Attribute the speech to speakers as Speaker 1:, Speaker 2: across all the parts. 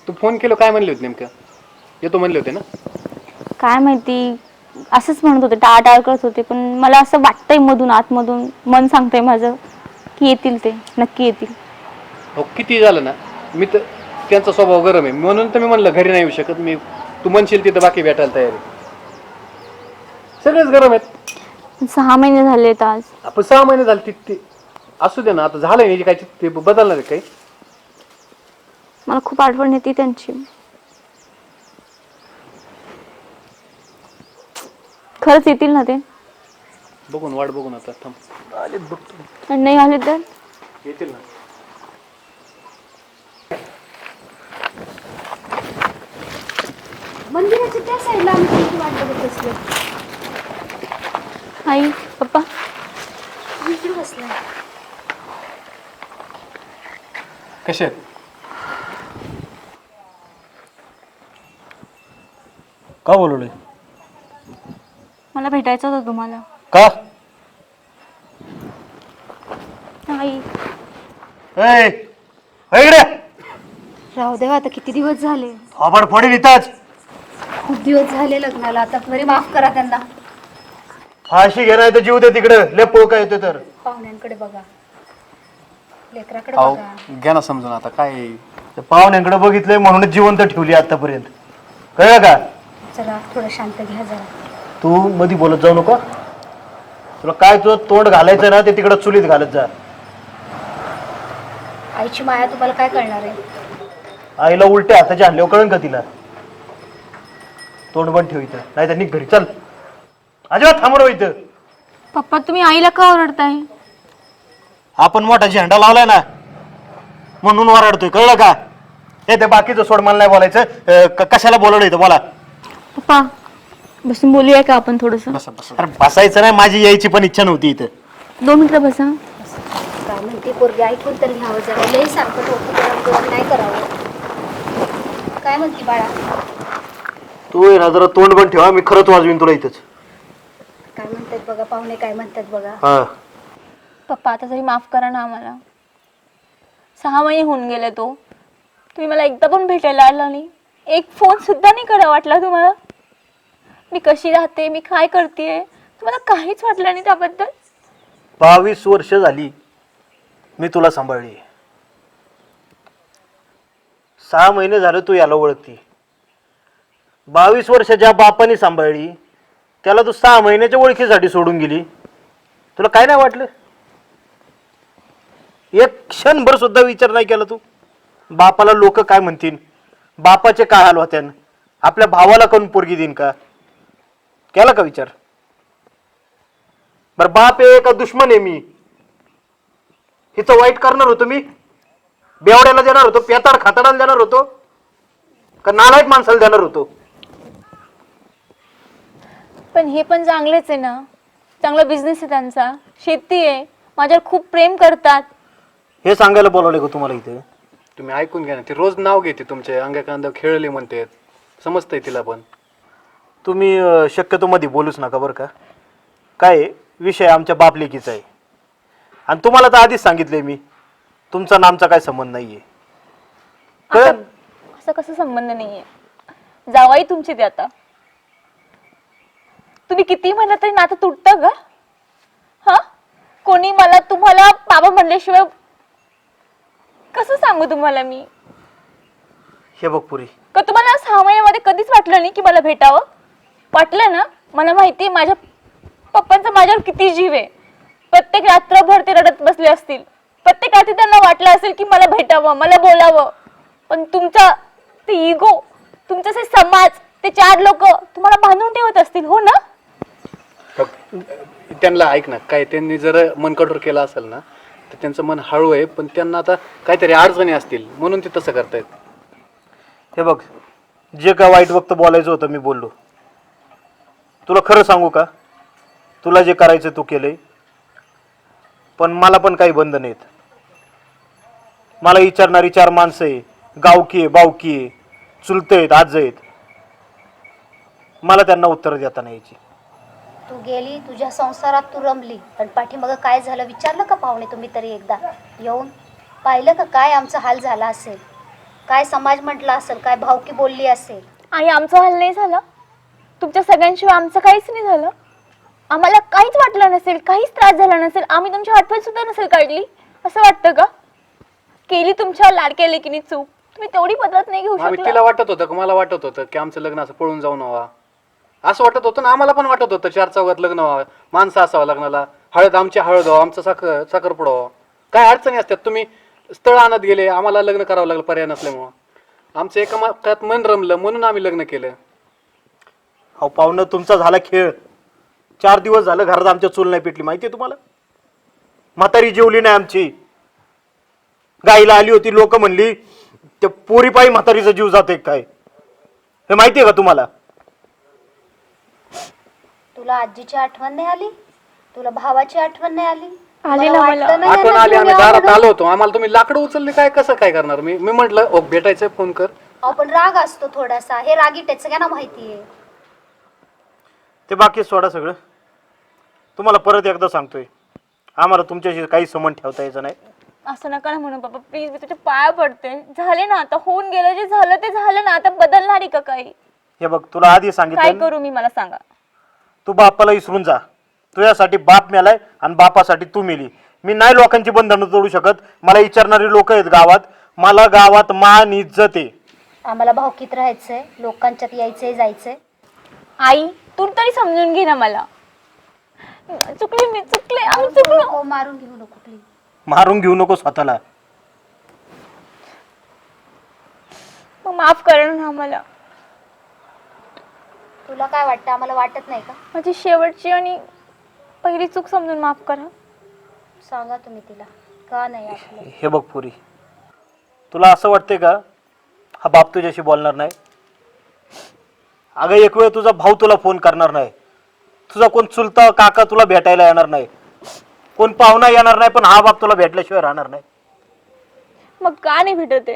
Speaker 1: तू phone केलं काय म्हणले होते नेमकं? येतो म्हणले होते ना?
Speaker 2: काय माहिती, असंच म्हणत होते, टाळाटाळ करत होते. पण मला असं वाटतंय मधून आतमधून मन सांगतंय माझं की येतील, ते नक्की येतील.
Speaker 1: हो किती झालं ना, मी तर त्यांचा स्वभाव गरम आहे म्हणून तर मी म्हणलं घरी नाही येऊ शकत मी. तू म्हणशील तिथं बाकी भेटायला तयार आहे. सगळेच गरम आहेत.
Speaker 2: 6 महिने झालेत आज.
Speaker 1: आपण 6 महिने झाले ते असू दे ना, आता झालंय काय ते बदलणार आहे काही.
Speaker 2: मला खूप आठवण येते त्यांची. खरंच येतील ना ते?
Speaker 1: बघून वाट बघून आता थांब. आलेत बघतो.
Speaker 2: आणि नाही आले तर?
Speaker 1: येतील ना.
Speaker 3: मंदिराच्या त्या साईडला आम्ही तुमची वाट बघत बसलो.
Speaker 2: आई, पप्पा
Speaker 3: इकडे बसलाय.
Speaker 1: कसे आहेत?
Speaker 4: का बोलवले?
Speaker 2: मला भेटायचं होतं तुम्हाला.
Speaker 4: का?
Speaker 2: आई,
Speaker 4: इकडे
Speaker 3: राहू देवा, आता किती दिवस झाले.
Speaker 4: आपण फोडी इथंच.
Speaker 3: खूप दिवस झाले लग्नाला. आता बरे माफ करा त्यांना.
Speaker 4: फाशी घेणार तर जीव दे तिकडं. लय पोळ काय येतो तर.
Speaker 3: पाहुण्यांकडे बघा, लेकराकडे
Speaker 1: अहो
Speaker 3: बघा.
Speaker 1: घ्या ना समजून आता काय आहे.
Speaker 4: त्या पाहुण्यांकडे बघितलंय म्हणूनच जिवंत ठेवली आतापर्यंत. कळलं का?
Speaker 3: जरा थोडं शांत घ्या जरा.
Speaker 4: तू मधी बोलत जाऊ नको. तुला काय तुझं तोंड घालायचं ना ते तिकडं चुलीत घालत जा.
Speaker 3: आईची माया तुम्हाला काय कळणार आहे.
Speaker 4: आईला उलट्या हाताच्या आणल्यावर कळन का तिला? तोंड बंद ठेव इथं, नाही तर निघ घरी. चल, अजिबात थांबरो इथं.
Speaker 2: पप्पा तुम्ही आईला का ओरडताय?
Speaker 4: आपण मोठा झेंडा लावलाय ना म्हणून वराडतोय. कळलं का? हे ते बाकीचं सोड, मला नाही बोलायचं. कशाला बोलवलं इथं बोला.
Speaker 2: पप्पा बसून बोलूया का आपण थोडंसं?
Speaker 1: बसा बसा.
Speaker 4: अरे बसायचं नाही, माझी यायची पण इच्छा नव्हती इथं.
Speaker 2: 2 मिनिटं बसा.
Speaker 3: काय म्हणते पोरगी, ऐकून तर घ्यावं जरा. लई सारखं डोकं नाही करावं. काय म्हणते बाळा?
Speaker 4: तू ये ना जरा तोंड पण ठेवा, मी खरंच वाजवीन तुला इथंच.
Speaker 3: काय म्हणतात बघा पाहुणे, काय म्हणतात बघा.
Speaker 4: हा,
Speaker 2: पप्पा आता तरी माफ करा ना आम्हाला. 6 महिने होऊन गेले तो. तुम्ही मला एकदा पण भेटायला आला नाही. एक फोन सुद्धा नाही करा वाटला तुम्हाला? मी कशी राहते, मी काय करते, तुम्हाला काहीच वाटलं नाही त्याबद्दल?
Speaker 4: 22 वर्ष झाली मी तुला सांभाळली. 6 महिने झाले तू याला ओळखती. 22 वर्ष ज्या बापाने सांभाळली त्याला तू 6 महिन्याच्या ओळखीसाठी सोडून गेली. तुला काय नाही वाटलं? एक क्षणभर सुद्धा विचार नाही केला तू? बापाला लोक काय म्हणतील, बापाचे काय हाल होत्यान, आपल्या भावाला कोण पोरगी देईन का? केला का विचार? बर बाप आहे का दुश्मन आहे मी? हिचं वाईट करणार होतो मी? बेवड्याला देणार होतो, पेताड खाताडाला देणार होतो, का नालायक माणसाला देणार होतो?
Speaker 2: पण हे पण चांगलेच आहे ना. चांगला बिझनेस आहे त्यांचा, शेती आहे, माझ्यावर खूप प्रेम करतात.
Speaker 4: हे सांगायला बोलवले का तुम्हाला इथे?
Speaker 1: तुम्ही ऐकून घ्या ना. ते रोज नाव घेते तुमचे, अंगा कांदा खेळले म्हणते. समजतंय तिला पण.
Speaker 4: तुम्ही शक्यतो मध्ये बोलूच नका बरं का. काय आहे, विषय आमच्या बापलेकीचा आहे आणि तुम्हाला तर आधीच सांगितलंय मी, तुमचा आणि आमचा काय संबंध नाहीये. कळलं?
Speaker 2: असं कसं संबंध नाहीये? जावाई तुमची ते आता. तुम्ही किती म्हणलं तरी नातं तुटतं का? हा, कोणी मला तुम्हाला बाबा म्हणल्याशिवाय कसं सांगू तुम्हाला मी?
Speaker 4: हे बघ पुरी,
Speaker 2: का तुम्हाला 6 महिन्यामध्ये कधीच वाटलं नाही की मला भेटावं? वाटलं ना? मला माहिती आहे माझ्या पप्पांचा माझ्यावर किती जीव आहे. प्रत्येक रात्रभर ते रडत बसले असतील. प्रत्येक रात्री त्यांना वाटलं असेल की मला भेटावं, मला बोलावं. पण तुमचा ते इगो, तुमचा ते समाज, ते 4 लोक तुम्हाला बांधून ठेवत असतील, हो ना?
Speaker 1: त्यांना ऐक ना, काय त्यांनी जर मन कठोर केलं असेल ना तर त्यांचं मन हळू आहे, पण त्यांना आता काहीतरी अडचणी असतील म्हणून ते तसं करतायत.
Speaker 4: हे बघ, जे काय वाईट वक्त बोलायचं होतं मी बोललो. तुला खरं सांगू का, तुला जे करायचं तू केलंय, पण मला पण काही बंधन नाहीत. मला विचारणारी 4 माणसं आहे, गावकी आहे, बावकी आहे, चुलते आहेत, आज आहेत. मला त्यांना उत्तर देता नाही यायची.
Speaker 3: तू गेली, तुझ्या संसारात तू रमली, पण पाठीमागं काय झालं विचारलं का पाहुणे तुम्ही तरी एकदा येऊन? पाहिलं का काय आमचा हाल झाला असेल? काय समाज म्हटलं असेल, काय भावकी बोलली असेल.
Speaker 2: आणि आमचं हाल नाही झालं? तुमच्या सगळ्यांशिवाय आमचं काहीच नाही झालं? आम्हाला काहीच वाटलं नसेल, काहीच त्रास झाला नसेल, आम्ही तुमची आठवण सुद्धा नसेल काढली, असं वाटतं का? केली तुमच्या लाडक्या लेकीनी चूक, तुम्ही तेवढी बदलत नाही घेऊ
Speaker 1: आम्ही
Speaker 2: शकला?
Speaker 1: तिला वाटत होतं, मला वाटत होतं की आमचं लग्न असं पळून जाऊन व्हावं, असं वाटत होतं ना. आम्हाला पण वाटत होतं 4 चौघात लग्न व्हावं, माणसं असावं लग्नाला, आमची हळद व्हावं, आमचं साखरपुडा व्हावं. काय अडचणी असतात. तुम्ही स्थळ आणत गेले, आम्हाला लग्न करावं लागलं पर्याय नसल्यामुळं. आमचं एका मतात मन रमलं म्हणून आम्ही लग्न केलं.
Speaker 4: अहो पाहुणं, तुमचा झाला खेळ. 4 दिवस झालं घरात आमच्या चूल नाही पेटली, माहितीये तुम्हाला? म्हातारी जेवली नाही आमची. गाईला आली होती, लोक म्हणली त्या पोरीपायी म्हातारीचा जीव जातोय काय, हे माहितीये का तुम्हाला?
Speaker 3: तुला आजीची आठवण नाही आली? तुला भावाची आठवण नाही आली?
Speaker 2: आली ना मला.
Speaker 3: वाटलं नाही
Speaker 1: आठवण
Speaker 3: ना
Speaker 1: आली, आम्ही
Speaker 3: तुम्ही
Speaker 1: दारात
Speaker 3: आवडून?
Speaker 1: आलो होतो, आम्हाला तुम्ही लाकडं उचलले काय, कसं काय करणार? मी म्हटलं ओ भेटायचं फोन कर.
Speaker 3: पण राग असतो थोडासा, हे रागीट सगळ्यांना माहितीये.
Speaker 4: ते बाकी सोडा सगळं. तुम्हाला परत एकदा सांगतोय, आम्हाला तुमच्याशी काही संबंध ठेवता यायचं नाही.
Speaker 2: असं नका ना म्हणून बाबा, प्लीज, मी तुझ्या पाया पडते. झाले ना आता, होऊन गेलं जे झालं ते झालं ना, आता बदलणार आहे का काही?
Speaker 4: हे बघ, तुला आधी
Speaker 2: काय
Speaker 4: सांगितलं,
Speaker 2: करू मी, मला सांगा.
Speaker 4: तू बापाला विसरून जा. तुझ्यासाठी बाप मेलाय आणि बापासाठी तू मेली. मी नाही लोकांची बंधनं तोडू शकत. मला विचारणारी लोक आहेत गावात. मला गावात मान इज्जत आहे.
Speaker 3: आम्हाला भावकीत राहायचंय, लोकांच्यात यायचंय जायचंय.
Speaker 2: आई, तू तरी समजून घे ना मला. चुकले मी, चुकले, आम्ही चुकलो.
Speaker 3: हो, मारून घेऊ नको प्लीज.
Speaker 4: मारून घेऊ नको स्वतःला.
Speaker 2: मग माफ करा ना आम्हाला.
Speaker 3: तुला काय वाटतं, आम्हाला वाटत नाही का?
Speaker 2: माझी शेवटची आणि पहिली चूक समजून माफ करा.
Speaker 3: सांगा तुम्ही तिला, का नाही आपलं?
Speaker 4: हे बघ पुरी, तुला असं वाटतंय का हा बाप तुझ्याशी बोलणार नाही? अगं एक वेळ तुझा भाऊ तुला फोन करणार नाही, तुझा कोण चुलता काका तुला भेटायला येणार नाही, कोण पाहुणा येणार नाही, पण हा बाप तुला भेटल्याशिवाय राहणार नाही.
Speaker 2: मग का नाही भेटत आहे?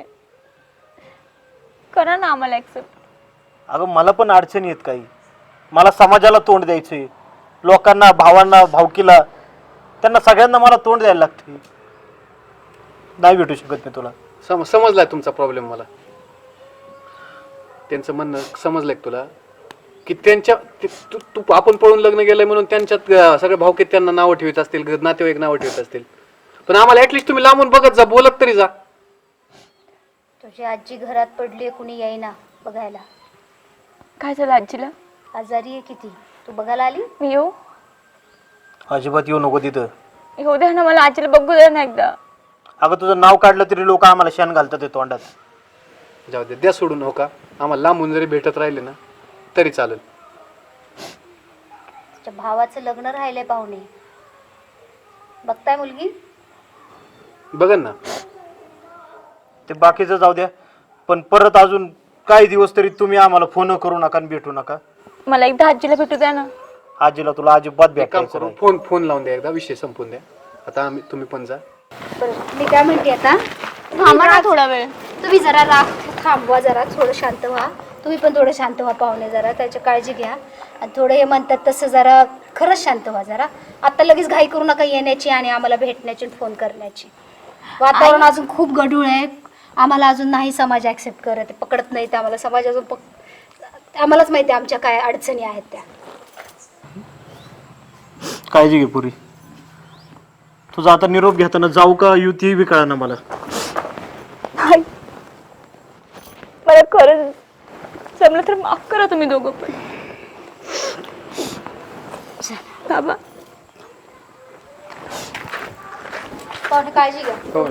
Speaker 2: करा ना आम्हाला ऍक्सेप्ट.
Speaker 4: अगं मला पण अडचणी आहेत काही. मला समाजाला तोंड द्यायचंय, लोकांना, भावांना, भावकीला, त्यांना सगळ्यांना मला तोंड द्यायला लागते. नाही भेटू शकत मी तुला.
Speaker 1: समजलाय तुमचा प्रॉब्लेम मला. त्यांचं म्हणणं समजलंय तुला की त्यांच्या तू आपण पळून लग्न गेलंय म्हणून त्यांच्यात सगळे भावकीत त्यांना नावं ठेवत असतील, नातेवाईक नावं ठेवत असतील. पण आम्हाला ऍटलिस्ट तुम्ही लांबून बघत जा, बोलत तरी जा.
Speaker 3: तुझी आजी घरात पडली, कुणी येईना बघायला.
Speaker 2: काय झालं आजीला?
Speaker 3: आजारी आहे किती, तू बघायला आली?
Speaker 2: मी येऊ?
Speaker 4: अजिबात येऊ नको तिथं.
Speaker 2: येऊ द्या ना मला, आजीला बघू द्या ना एकदा.
Speaker 4: अगं तुझं नाव काढलं तरी लोक आम्हाला शेण घालतात ते तोंडात.
Speaker 1: जाऊ दे, द्या सोडून. हो का, आम्हाला लांबून जरी भेटत राहिले ना तरी चालेल.
Speaker 3: तुझ्या भावाचं लग्न राहिलंय पाहुणे, बघताय मुलगी?
Speaker 1: बघन ना.
Speaker 4: ते बाकीचं जाऊ द्या, पण परत अजून काही दिवस तरी तुम्ही आम्हाला फोन करू नका आणि भेटू नका.
Speaker 2: मला एकदा आजीला भेटू द्या ना.
Speaker 4: आजीला तुला अजिबात
Speaker 1: एक काम
Speaker 4: भेटायचं
Speaker 1: करू,
Speaker 4: नाही.
Speaker 1: फोन लावून द्या एकदा, विषय संपून द्या. आता तुम्ही पण जा.
Speaker 3: बरं, मी काय म्हणते आता,
Speaker 2: थांबा ना थोडा वेळ.
Speaker 3: तुम्ही जरा राग थांबवा, जरा थोडं शांत व्हा. तुम्ही पण थोडं शांत व्हा पाहुणे, जरा त्याची काळजी घ्या. आणि थोडं हे म्हणतात तसं जरा खरंच शांत व्हा जरा. आता लगेच घाई करू नका येण्याची आणि आम्हाला भेटण्याची, फोन करण्याची. वातावरण अजून खूप गढूळ आहे. आम्हाला अजून नाही समाज ॲक्सेप्ट करत, पकडत नाही ते आम्हाला समाज अजून. आम्हालाच माहिती आहे आमच्या काय अडचणी आहेत त्या.
Speaker 4: काळजी घे पुरी. तुझा आता निरोप घेताना जाऊ का युती बी कळा ना मला.
Speaker 2: मला खरंच जमलं तर माफ करा तुम्ही दोघं पण. बाबा,
Speaker 3: पाहुणे काळजी घ्या.
Speaker 1: हो.